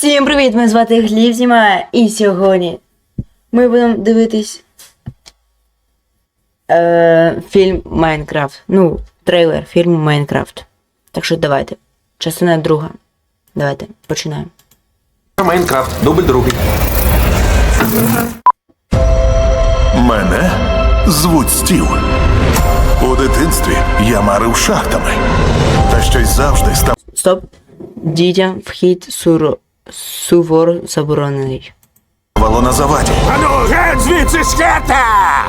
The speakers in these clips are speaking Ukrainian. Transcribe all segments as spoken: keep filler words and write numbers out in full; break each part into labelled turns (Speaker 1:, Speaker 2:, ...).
Speaker 1: Всім привіт! Мене звати Гліб знімає, і сьогодні ми будемо дивитись е, фільм Майнкрафт. Ну, трейлер фільму Майнкрафт. Так що давайте. Частина друга. Давайте, починаємо.
Speaker 2: Майнкрафт, дубль другий.
Speaker 3: Мене звуть Стів. У дитинстві я марив шахтами. Та щось завжди став
Speaker 1: Стоп. Дітям вхід суро... суворо заборонений.
Speaker 3: вало на заваді.
Speaker 2: Ану, геть звідси з хата!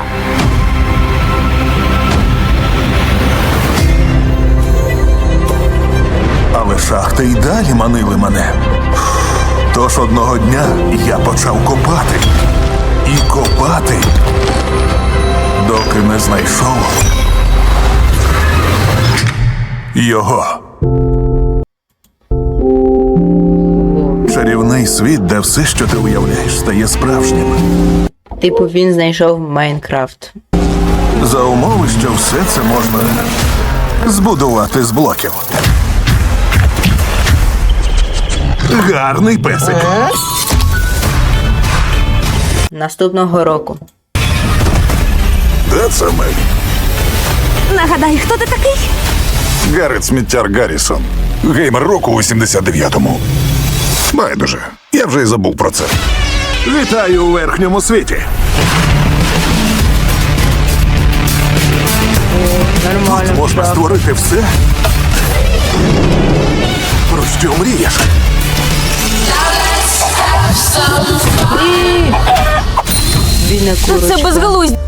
Speaker 3: Але шахти й далі манили мене. Тож одного дня я почав копати. І копати, доки не знайшов його. Чарівний світ, де все, що ти уявляєш, стає справжнім.
Speaker 1: Типу він знайшов Майнкрафт.
Speaker 3: За умови, що все це можна збудувати з блоків. Гарний песик.
Speaker 1: Наступного року.
Speaker 3: Де це ми?
Speaker 4: Нагадай, хто ти такий?
Speaker 3: Гаррет Сміттяр Гаррісон. Геймер року у сімдесят дев'ятому. Байдуже, я вже й забув про це. Вітаю у верхньому світі.
Speaker 1: Нормально.
Speaker 3: Тут можна створити все, про що мрієш.
Speaker 1: Бідна
Speaker 4: Це
Speaker 1: курочка.
Speaker 4: безглуздя.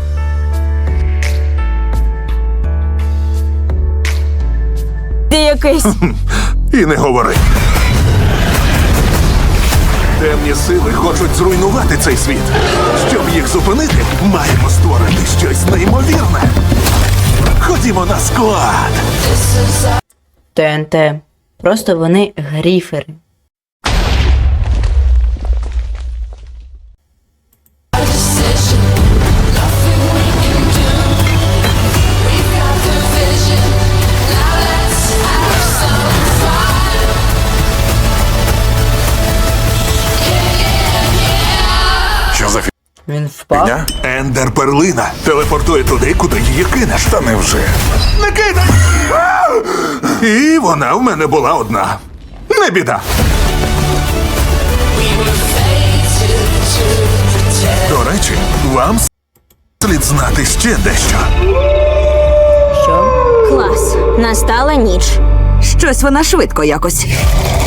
Speaker 4: Якийсь.
Speaker 3: І не говори. Темні сили хочуть зруйнувати цей світ. Щоб їх зупинити, маємо створити щось неймовірне. Ходімо на склад.
Speaker 1: ТНТ. Просто вони гріфери.
Speaker 3: Що за
Speaker 1: Він впав.
Speaker 3: фігня? Ендер перлина телепортує туди, куди її кинеш. Та невже? Не кидай! А! І вона в мене була одна. Не біда. До речі, вам слід знати ще дещо.
Speaker 1: Що?
Speaker 4: Клас. Настала ніч.
Speaker 5: Щось вона швидко якось.